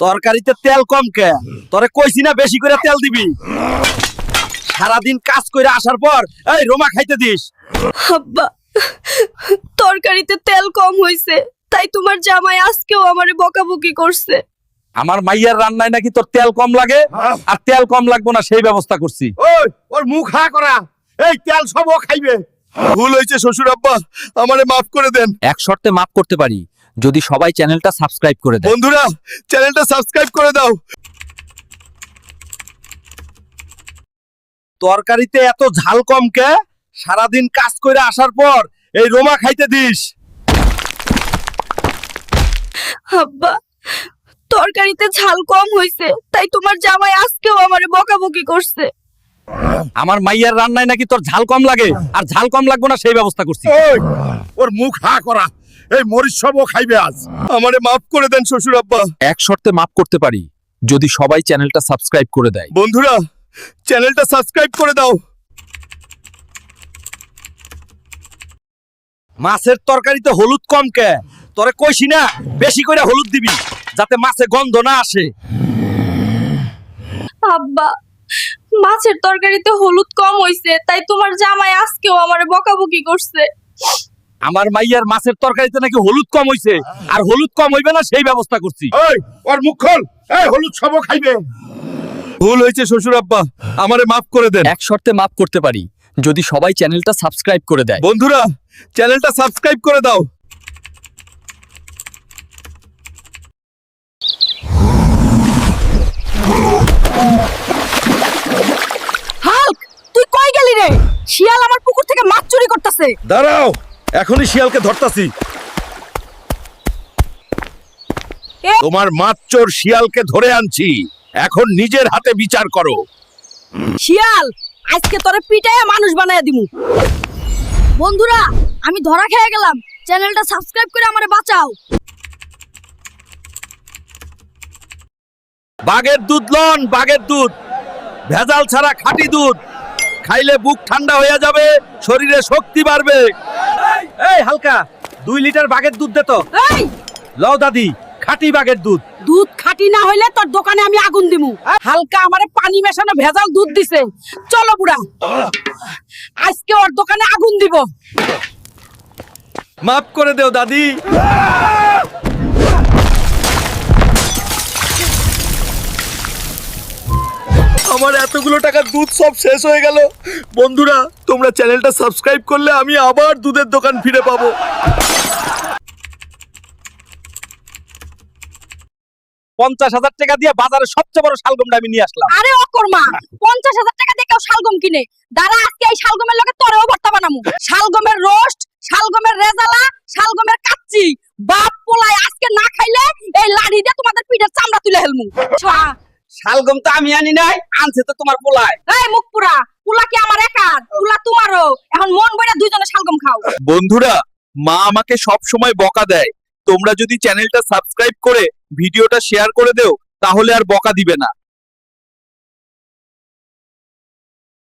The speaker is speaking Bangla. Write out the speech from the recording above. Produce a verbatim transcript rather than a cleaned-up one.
তরকারিতে তেল কম কে? তোরে কইছি না বেশি করে তেল দিবি। সারাদিন কাজ করে আসার পর এই রোমা খাইতে দিস। আব্বা, তরকারিতে তেল কম হইছে, তাই তোমার জামাই আজকেও আমারে বকাবকি করছে। আমার মাইয়ার রান্নায় নাকি তোর তেল কম লাগে, আর তেল কম লাগবো না সেই ব্যবস্থা করছি। ওই ওর মুখ হা করা, এই তেল সব ও খাইবে। ভুল হয়েছে শ্বশুর আব্বা, আমারে মাফ করে দেন। এক শর্তে মাফ করতে পারি, যদি সবাই চ্যানেলটা সাবস্ক্রাইব করে দেয়। বন্ধুরা চ্যানেলটা সাবস্ক্রাইব করে দাও। তরকারিতে এত ঝাল কম কে? সারাদিন কাজ করে আসার পর এই রোমা খাইতে দিস। আব্বা, তরকারিতে ঝাল কম হইছে, তাই তোমার জামাই আজকেও আমারে বকাবকি করছে। আমার মাইয়ার রান্নায় নাকি তোর ঝাল কম লাগে, আর ঝাল কম লাগবো না সেই ব্যবস্থা করছি। ওই ওর মুখ হা করা, এই মরিচ সব ও খাইবে আজ। আমারে মাফ করে দেন শ্বশুর আব্বা। এক শর্তে মাফ করতে পারি, যদি সবাই চ্যানেলটা সাবস্ক্রাইব করে দেয়। বন্ধুরা চ্যানেলটা সাবস্ক্রাইব করে দাও। মাছের তরকারিতে হলুদ কম কে? তোরে কইছি না বেশি করে হলুদ দিবি, যাতে মাছে গন্ধ না আসে। আব্বা, মাছের তরকারিতে হলুদ কম হইছে, তাই তোমার জামাই আজকেও আমারে বকাবকি করছে। আমার মাইয়ার মাছের তরকারিতে নাকি হলুদ কম হইছে, আর হলুদ কম হইবে না সেই ব্যবস্থা করছি। ওই ওর মুখ খোল, এই হলুদ সব ও খাইবে। ভুল হয়েছে শ্বশুর আব্বা, আমারে মাফ করে দেন। এক শর্তে মাফ করতে পারি, যদি সবাই চ্যানেলটা সাবস্ক্রাইব করে দেয়। বন্ধুরা চ্যানেলটা সাবস্ক্রাইব করে দাও। হাল্ক, তুই কই গেলি রে? শিয়াল আমার পুকুর থেকে মাছ চুরি করতেছে। দাঁড়াও, এখনই শিয়ালকে ধরতাছি। তোমার মাচ্চোর শিয়ালকে ধরে আনছি, এখন নিজের হাতে বিচার করো। শিয়াল, আজকে তোরে পিটাইয়া মানুষ বানায়া দিমু। বন্ধুরা, আমি ধরা খেয়ে গেলাম, চ্যানেলটা সাবস্ক্রাইব করে আমারে বাঁচাও। বাঘের দুধ লন, বাঘের দুধ, ভেজাল ছাড়া খাঁটি দুধ। খাইলে বুক ঠান্ডা হয়ে যাবে, শরীরে শক্তি বাড়বে। এই হালকা, দুই লিটার বাঘের দুধ দে তো। এই, লও দাদি, খাঁটি বাঘের দুধ। দুধ খাঁটি না হইলে তোর দোকানে আমি আগুন দিমু। হালকা আমারে পানি মেশানো ভেজাল দুধ দিছে। চলো বুড়া, আজকে ওর দোকানে আগুন দিব। মাফ করে দেও দাদি। আমার এতগুলো টাকার দুধ সব শেষ হয়ে গেল। বন্ধুরা তোমরা চ্যানেলটা সাবস্ক্রাইব করলে আমি আবার দুধের দোকান ফিরে পাবো। পঞ্চাশ হাজার টাকা দিয়ে বাজারে সবচেয়ে বড় শালগমটা আমি নিয়ে আসলাম। আরে অকর্মা, পঞ্চাশ হাজার টাকা দিয়ে কেউ শালগম কিনে? দাঁড়া, আজকে এই শালগমের লগে তোরেও ভর্তা বানামু। শালগমের রোস্ট, শালগমের রেজালা, শালগমের কাচ্চি। বাপ পোলাই আজকে না খাইলে এই লাড়ি দিয়ে তোমাদের পিঠের চামড়া তুলে হেলমু। শালগম তো আমি আনি নাই, আনছে তো তোমার পোলায়। এই মুখ পুরা, পুলা কি আমার একার? পুলা তোমারও। এখন মন বইরা দুইজনে শালগম খাও। বন্ধুরা মা আমাকে সব সময় বকা দেয়, তোমরা যদি চ্যানেলটা সাবস্ক্রাইব করে ভিডিওটা শেয়ার করে দেও তাহলে আর বকা দিবে না।